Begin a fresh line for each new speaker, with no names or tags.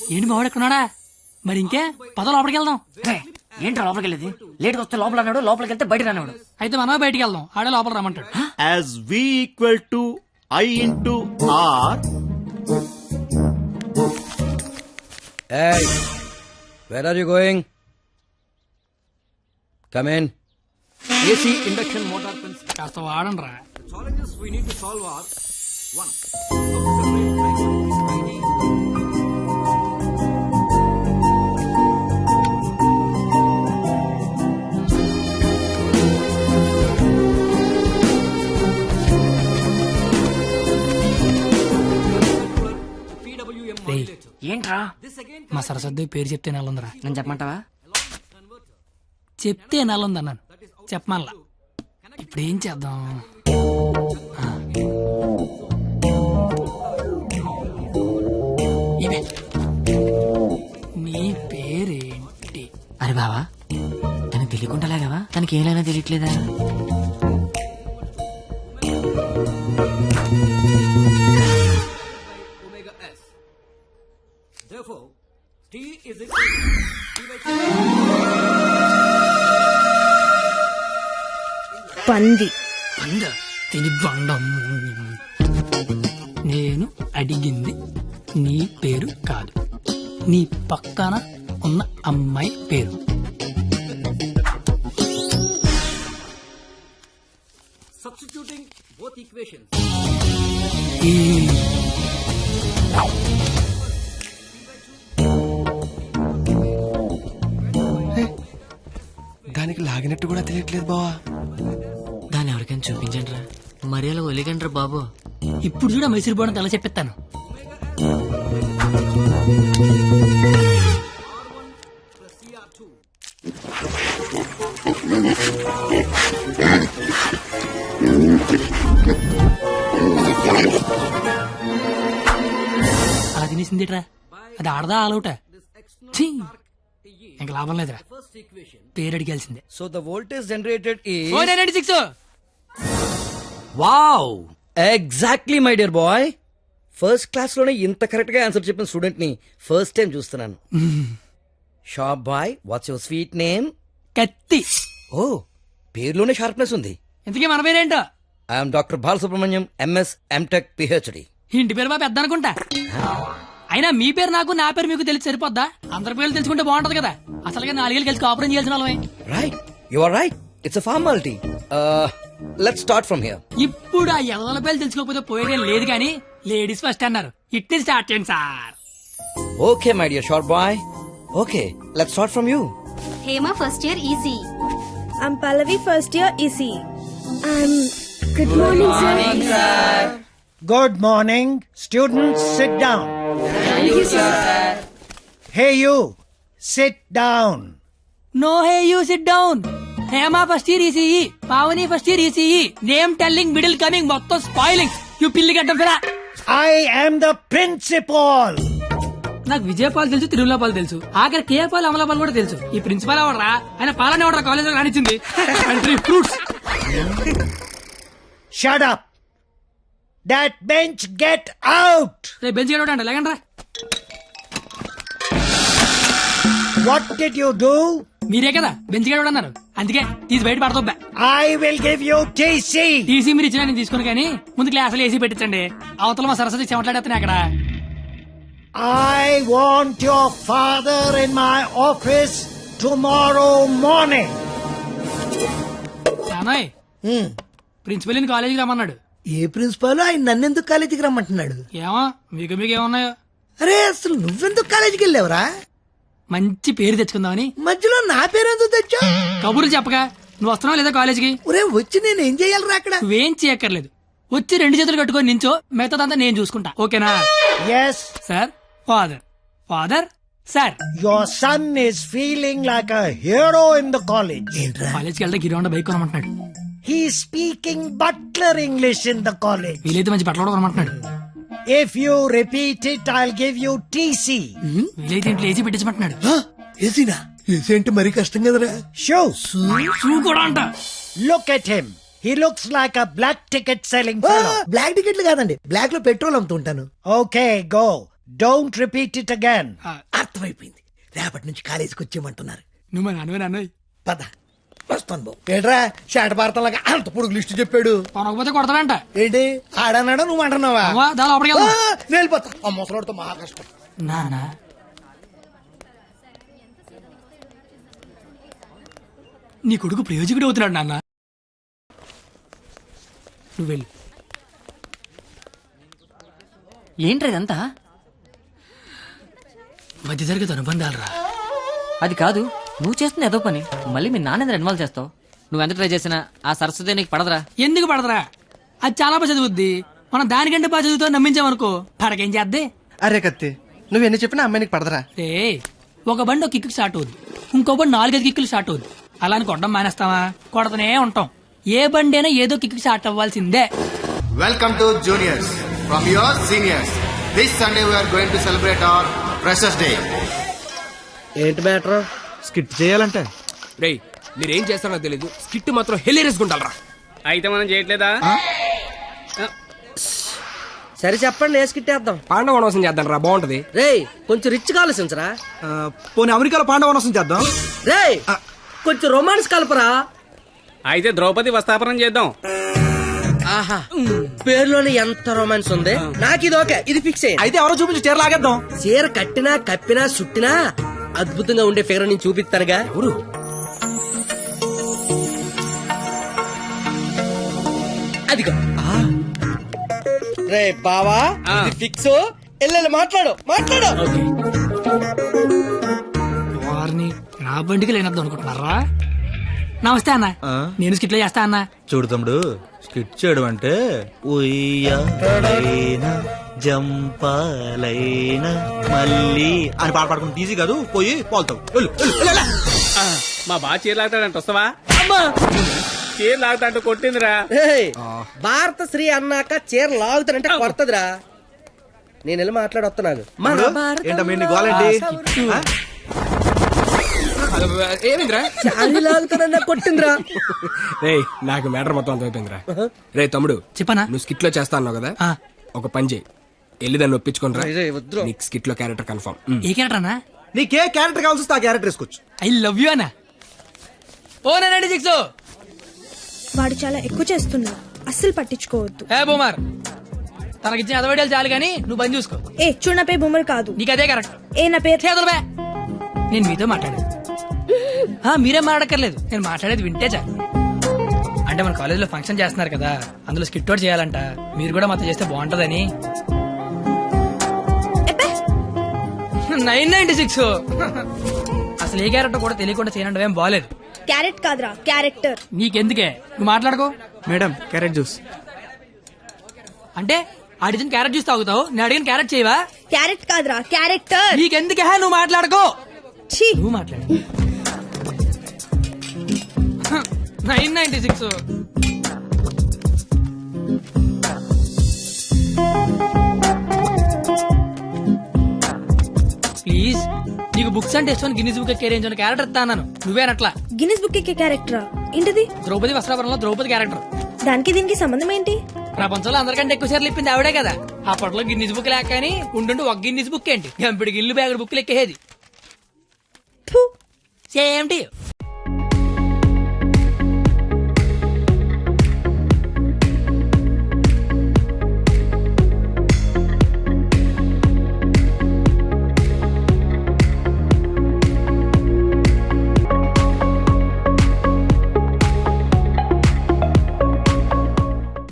ఏంటి మావాడు ఎక్కడున్నాడా? మరి ఇంకే పద లోపలికి వెళ్దాం.
ఏంటో లోపలికి వెళ్ళేది? లేట్గా వస్తే లోపల అన్నాడు, లోపలికి వెళ్తే బయట అన్నాడు.
అయితే మనమే బయటికి వెళ్దాం, ఆడే లోపల రమ్మంటాడు.
As V equal to I into R.
Hey, where are you going? Come in. AC induction motor pins.
కాస్త వాడండి రా.
Challenges we need to solve are 1.
ఏంట్రా?
మా సరస్వతి పేరు చెప్తే నెలందిరా.
నేను చెప్పమంటావా?
చెప్తే నెలంది అన్నాను, చెప్పమల్లా. ఇప్పుడు ఏం చేద్దాం? ఇవే నీ పేరేంటి?
అరే బావా, తనకు తెలియకుండా లాగావా? తనకి ఏమైనా తెలియట్లేదా?
Therefore, T is equal to
పంది.
అందా తిని బండం. నేను అడిగింది నీ పేరు కాదు, నీ పక్కన ఉన్న అమ్మాయి పేరు.
substituting both equations.
దానికి లాగినట్టు కూడా తెలియట్లేదు బావా.
దాన్ని ఎవరికైనా చూపించండి రా, మరి అలా ఒలిగండ్రా బాబు.
ఇప్పుడు చూడ మైసూర్ బోర్డు తెల చెప్పిస్తాను. అలా తినేసిందిట్రా, అది ఆడదా ఆలౌట? ఇంకా లాభం లేదురా, పేరు అడిగాల్సిందే.
So the voltage generated is
496.
wow, exactly my dear boy. First class లోనే ఇంత కరెక్ట్ గా ఆన్సర్ చెప్పిన స్టూడెంట్ ని ఫస్ట్ టైం చూస్తున్నాను. Sharp boy, what's your sweet name?
కత్తి.
ఓ, పేరులోనే షార్ప్నెస్ ఉంది.
ఇంతకీ మన పేరేంటో?
I'm doctor Balasubrahmanyam, MS, MTech, PhD.
ఇంటి పేరు మా పెద్ద అనుకుంటా. అయినా మీ పేరు నాకు, నా పేరు మీకు తెలిసి సరిపోద్దా? అందరి పేర్లు తెలుసుకుంటే బాగుంటది కదా. అసలుగా 4 ఏళ్ళు కలిసి కాపురం చేయాల్సిన వాళ్ళమే.
Right, you are right, it's a formality. Let's start from here.
ఇప్పుడు ఆ ఎవరి పేర్లు తెలుసుకోకపోతే పోయేదేం లేదు కానీ లేడీస్ ఫస్ట్ అన్నారు, ఇట్ని స్టార్ట్ చేయండి sir.
Okay my dear sharp boy, okay let's start from you.
Hema first year EC.
I'm Pallavi, first year EC. Good morning, sir.
Good morning. Students, sit down.
Thank you, sir.
Hey, you. Sit down.
No hey you sit down. Hema first year ECE, Pavani first year ECE, name telling, middle coming, మొత్తం spoiling. You పిల్లి గడ్డం ఫిరా.
I am the principal.
నాకు విజయపాల్ తెలుసు, తిరుమలపాల్ తెలుసు, ఆఖరి కేపాల్, అమలాపాల్ కూడా తెలుసు. ఈ ప్రిన్సిపాల్ ఎవడరా? ఆయన పాలన ఎవడరా కాలేజ్ లో రానిచ్చింది? Fruits.
Shut up. That bench, get out.
రేపు బెంచ్ గడవడండి, లేకండి రా.
What did you do?
మీరే కదా బెంచ్ గడవడన్నారు, అందుకే తీసి బయట పడతా.
I will give you TC.
TC మీరు ఇచ్చిన నేను తీసుకుని, కానీ ముందు క్లాసులు ఏసీ పెట్టించండి. అవతల మా సరస్వతి చెమట్లాడేస్తాను అక్కడ.
I want your father in my office tomorrow morning.
నానోయ్, ప్రిన్సిపల్ కాలేజీకి రమ్మన్నాడు.
ఏ ప్రిన్సిపాల్ ఆయన నన్నెందుకు కాలేజీకి రమ్మంటున్నాడు?
ఏమో మీకు ఏమన్నాయో.
అరే అసలు నువ్వెందుకు కాలేజీకి వెళ్ళావురా?
మంచి పేరు తెచ్చుకుందామని.
మధ్యలో నా పేరెందుకు తెచ్చా?
కబుర్లు చెప్పగా నువ్వు వస్తున్నావు లేదా కాలేజీకి?
ఒరే వచ్చి నేను ఏం చెయ్యాలరా అక్కడ?
నువ్వేం చేయక్కర్లేదు, వచ్చి 2 చేతులు కట్టుకొని నించో, మిగతాదంతా నేను చూసుకుంటా, ఓకేనా?
Yes.
Sir, father, father, sir.
Your son is feeling like a hero in the college.
కాలేజ్కి వెళ్తే గిరౌండ్ బైక్ కొనమంటున్నాడు.
He's speaking butler English in the college.
వీలైతే మంచి బట్టలు కొనమంటున్నాడు.
If you repeat it, I'll give you TC.
వీలైతే ఇంట్లో AC పెట్టించమంటున్నాడు.
ఏసీనా? AC అంటే మరీ కష్టం కదరా.
Shoes.
షూ కూడా అంట.
Look at him. He looks like a black ticket selling fellow.
Black టికెట్లు కాదండి, బ్లాక్ లో పెట్రోల్ అమ్ముతుంటాను.
Okay, go. Don't repeat it again.
అర్థమైపోయింది, రేపటి నుంచి కాలేజీకి వచ్చేయమంటున్నారు.
నువ్వు మా నాన్న
పద వస్తాను బాబు. ఏంట్రా షాట భారతంలాగా అంత పొడుగు లిస్టు చెప్పాడు.
కొనకపోతే కొడతాడంట.
ఏంటి ఆడన్నాడా నువ్వు అంటున్నావా?
దాని లోపలికి
ఆ,
వెళ్దాం.
నేను వెళ్ళిపోతా. ఆ ముసలాడితో మహా కష్టం.
నానా నీ కొడుకు ప్రయోజకుడు అవుతున్నాడు నాన్న. నువ్వు వెళ్ళు.
ఏంట్రా ఇదంతా?
మధ్య తరగతి అనుబంధాలు రా.
అది కాదు, నువ్వు చేస్తున్న ఏదో పని మళ్ళీ మీ నాన్న ఇన్వాల్వ్ చేస్తావు. నువ్వు ఎంత ట్రై చేసినా ఆ సరస్వతి నీకు పడదురా.
ఎందుకు పడదరా? అది చాలా బాగా చదువుద్ది. మనం దానికంటే బాగా చదువుతో నమ్మించామనుకో పడకేం చేద్దే.
అరే కత్తి, నువ్వు ఎన్ని చెప్పినా అమ్మాయికి పడదరా.
రే ఒక బండి ఒక కిక్కు స్టార్ట్ అవుద్ది, ఇంకో బండి 4-5 కిక్కులు స్టార్ట్ అవుద్ది. అలా అని కొట్టడం మానేస్తావా? కొడతనే ఉంటాం. ఏ బండి అయినా ఏదో కిక్కు స్టార్ట్ అవ్వాల్సిందే.
Welcome to juniors from your seniors. This Sunday we are going to celebrate our Freshers Day.
ఏంటి మ్యాటర్?
స్కిట్ చేయాలంటే
రే మీరేం చేస్తారో తెలీదు, స్కిట్ మాత్రం హెలీరియస్ గుండాలరా. అయితే మనం చేయట్లేదా?
సరే చెప్పండి, వేసుకిట్టేద్దాం.
పాండవ వనవాసం చేద్దాం రా, బాగుంటది.
రేయ్ కొంచెం రిచ్ గా ఆలోచించరా.
పోనీ అమెరికాలో పాండవనసం చేద్దాం.
రేయ్ కొంచెం రొమాన్స్ కలపరా.
అయితే ద్రౌపది వస్తాపనం చేద్దాం.
ఆహా, పేరులోనే ఎంత రొమాన్స్ ఉంది. నాకు ఇది ఓకే, ఇది ఫిక్స్ అయ్యింది.
అయితే ఎవరో చూపించి చీర లాగేద్దాం.
చీర కట్టినా కప్పినా చుట్టినా అద్భుతంగా ఉండే ఫిగర్ నేను చూపిస్తానుగా.
ఎవరు?
అదిగో రే బావా, ఇది ఫిక్స్. ఎల్లెల్లి మాట్లాడు మాట్లాడు.
వారిని నా బండికి లేనద్దు అనుకుంటున్నారా? నమస్తే అన్న, నేను స్కిట్లో చేస్తా అన్న.
చూడు తమ్ముడు, స్కిట్ చేయడం అంటే ఉయ్యాలైనా జంపాలైనా మళ్ళీ అని పాట పాడుకుంటే ఈజీ కాదు. పోయి పోల్తావు.
మా బాగా చీర లాగుతాడంట, వస్తావా? చీర లాగుతాంట కొట్టిందిరా.
ఏయ్, భారత శ్రీ అన్నాక చీర లాగుతానంటే కొడతదిరా. నేను వెళ్ళి మాట్లాడొస్తున్నాను.
ఏంటమ్మా నీ గోలేంటి?
ఏమిందిరా?
చాలి లాగుతానన్నా కొట్టిందిరా.
రే నాకు మ్యాటర్ మొత్తం అంత అయిపోయిందిరా. రే తమ్ముడు
చెప్పనా?
నువ్వు స్కిట్ లో చేస్తా అన్నావు కదా,
ఆ.
ఒక పని చేయి, వెళ్ళి దాన్ని ఒప్పించుకోనరా.
రేయ్, వద్దురా.
నీకు స్కిట్ లో క్యారెక్టర్ కన్ఫర్మ్.
ఏ క్యారెక్టర్ అన్నా?
నీకే క్యారెక్టర్ కావాల్సి వస్తే ఆ క్యారెక్టర్ వేసుకోవచ్చు.
ఐ లవ్ యూ అన్నా. ఓ 96
వాడు చాలా ఎక్కువ చేస్తున్నాడు, అస్సలు పట్టించుకోవద్దు.
ఏ బూమర్, తనకిచ్చిన అదవడాలు చాలు గానీ నువ్వు పని చూసుకో.
ఏ చూడు, నా పేరు బొమ్మరు కాదు.
నీకు అదే కరెక్ట్.
ఏ నా పేరు
చేతులు బే. నేను మీతో మాట్లాడేది. మీరేం మాట్లాడక్కర్లేదు, నేను మాట్లాడేది వింటే చాలు. అంటే మన కాలేజీలో ఫంక్షన్ చేస్తున్నారు కదా, అందులో స్కిట్ అవుట్ చేయాలంట. మీరు కూడా మాతో చేస్తే బాగుంటదని. 996 అసలు ఏ క్యారెక్టర్ కూడా తెలియకుండా చేయనంటే ఏం బాలేదు.
క్యారెట్ కాదురా, క్యారెక్టర్.
నీకెందుకే, నువ్వు మాట్లాడుకో.
Madam carrot juice.
అంటే అడిగిన క్యారెట్ జ్యూస్ తాగుతావు, నేను అడిగిన క్యారెట్ చేయవా?
క్యారెట్ కాదురా, క్యారెక్టర్.
నీకెందుకే, నువ్వు మాట్లాడుకో.
ఛీ,
నువ్వు మాట్లాడు. 996 ప్లీజ్. నీకు బుక్స్ అంటే ఇష్టం, గిన్నీస్ బుక్ ఎక్కే రేంజ్ ఉన్న క్యారెక్టర్ ఇస్తాను. నువ్వేనట్లా.
గిన్నిస్ బుక్ ఎక్కే క్యారెక్టరా? ఏంటిది?
ద్రౌపది వస్త్రాపురంలో ద్రౌపది క్యారెక్టర్.
దానికి దీనికి సంబంధం ఏంటి?
ప్రపంచంలో అందరికంటే ఎక్కువ సార్లు ఇప్పింది ఆవిడే కదా. అప్పట్లో గిన్నీస్ బుక్ లేక కానీ ఉండుండి ఒక గిన్నీస్ బుక్ ఏంటి, గంపిడి గిల్లు బ్యాగుడు బుక్లు ఎక్కేది.
ఫు.
Same to you.